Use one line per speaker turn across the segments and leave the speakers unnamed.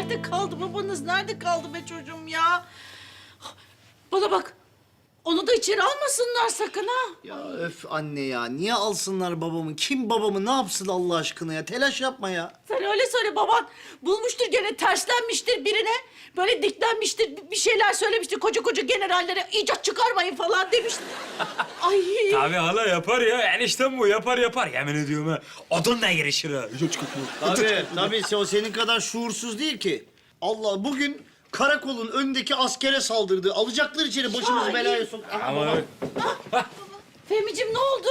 nerede kaldı babanız? Nerede kaldı be çocuğum ya? Bana bak. Onu da içeri almasınlar sakın ha.
Ya öf anne ya. Niye alsınlar babamı? Kim babamı ne yapsın Allah aşkına ya? Telaş yapma ya.
Sen öyle söyle, baban bulmuştur gene, terslenmiştir birine. Böyle diklenmiştir, bir şeyler söylemiştir. Koca koca generallere icat çıkarmayın falan demiştir. Ay.
Tabii hala yapar ya. Eniştem bu yapar. Yemin ediyorum ha. Odunla girişir ha.
Tabii o senin kadar şuursuz değil ki. Allah bugün karakolun önündeki askere saldırdı. Alacaklar içeri başımızı
Ay.
belaya sok. Aha,
Ama
baba.
Fehmi'cim ne oldu?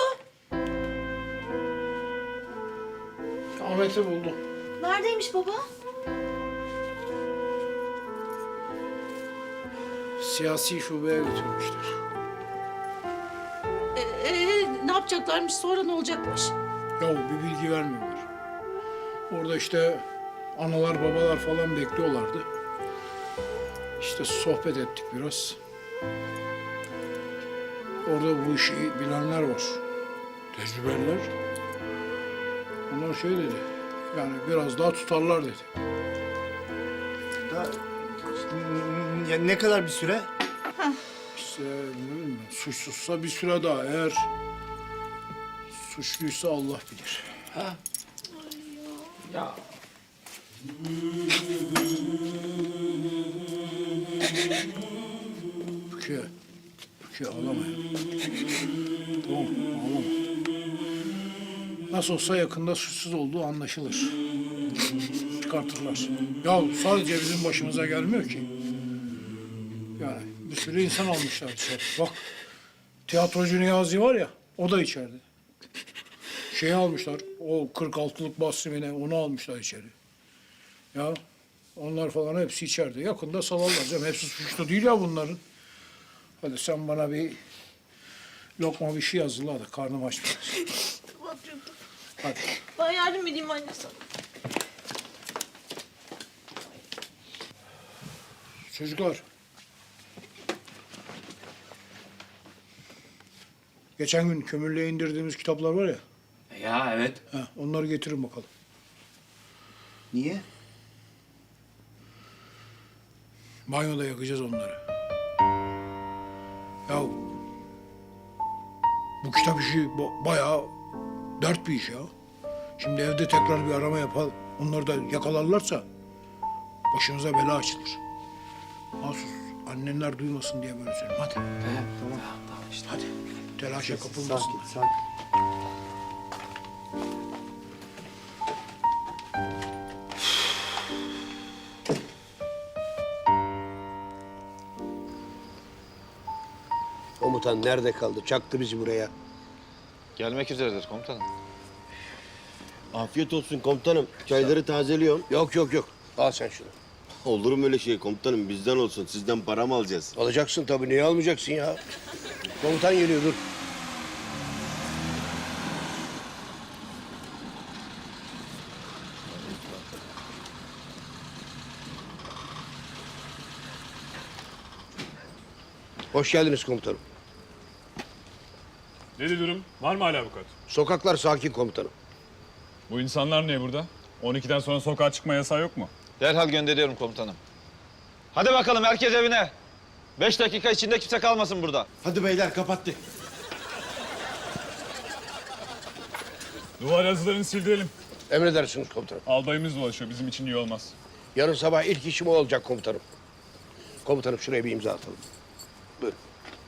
Ahmet'i buldum.
Neredeymiş baba?
Siyasi şubeye götürmüşler.
Ne yapacaklarmış, sonra ne olacakmış?
Ya bir bilgi vermiyorlar. Orada işte analar babalar falan bekliyorlardı. İşte sohbet ettik biraz. Orada bu işi bilenler var. Tecrübeliler. Onlar şey dedi. Yani biraz daha tutarlar dedi.
Ya ne kadar bir süre?
İşte ne bileyim ben, suçsuzsa bir süre daha. Eğer suçluysa Allah bilir.
Ya.
Rukiye ağlama ya. Tamam ağlama. Nasıl olsa yakında suçsuz olduğu anlaşılır. Çıkartırlar. Ya sadece bizim başımıza gelmiyor ki. Yani bir sürü insan almışlar dışarı. Bak tiyatrocu Niyazi var ya, o da içeride. Şeyi almışlar, o 46'lık Basri'ne onu almışlar içeri. Ya onlar falan hepsi içeride. Yakında salarlar canım. Hepsi suçlu değil ya bunların. Hadi sen bana bir lokma bir şey hazırla da karnım aç biraz.
Tamam çocuğum.
Hadi.
Ben yardım edeyim anne sana.
Çocuklar. Geçen gün kömürlüğe indirdiğimiz kitaplar var ya.
Ya evet.
Onları getirin bakalım.
Niye?
Banyoda yakacağız onları. Ya bu kitap işi bayağı dert bir iş ya. Şimdi evde tekrar bir arama yapalım. Onları da yakalarlarsa başımıza bela açılır. Mahsus annenler duymasın diye böyle söyleyeyim. Hadi.
Tamam.
işte.
Hadi. Telaşa kapılmasın.
Sakin.
Komutan nerede kaldı? Çaktı bizi buraya.
Gelmek üzeredir komutanım.
Afiyet olsun komutanım. Çayları tazeliyorum.
Yok. Al sen şunu.
Olur mu öyle şey komutanım? Bizden olsun. Sizden para mı alacağız?
Alacaksın tabii. Niye almayacaksın ya? Komutan geliyor, dur. Hoş geldiniz komutanım.
Nedir durum? Var mı hala avukat?
Sokaklar sakin komutanım.
Bu insanlar niye burada? 12'den sonra sokağa çıkma yasağı yok mu?
Derhal gönderiyorum komutanım. Hadi bakalım herkes evine. 5 dakika içinde kimse kalmasın burada.
Hadi beyler kapattık.
Duvar yazılarını sildirelim.
Emredersiniz komutanım.
Albayımız dolaşıyor. Bizim için iyi olmaz.
Yarın sabah ilk işim o olacak komutanım. Komutanım şuraya bir imza atalım. Buyurun.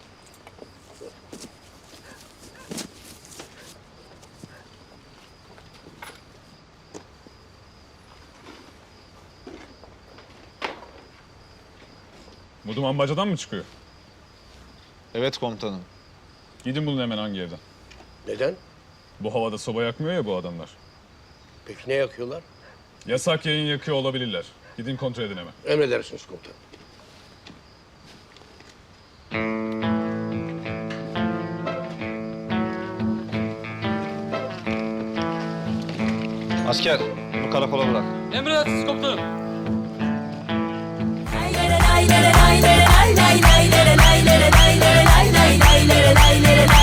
Bu duman bacadan mı çıkıyor?
Evet komutanım.
Gidin bulun hemen hangi evden.
Neden?
Bu havada soba yakmıyor ya bu adamlar.
Peki ne yakıyorlar?
Yasak yayın yakıyor olabilirler. Gidin kontrol edin hemen.
Emredersiniz komutanım.
Asker, bunu karakola bırak.
Emredersiniz komutanım.
Lay lay lay lay lay lay lay lay lay lay lay lay lay lay lay lay lay lay lay lay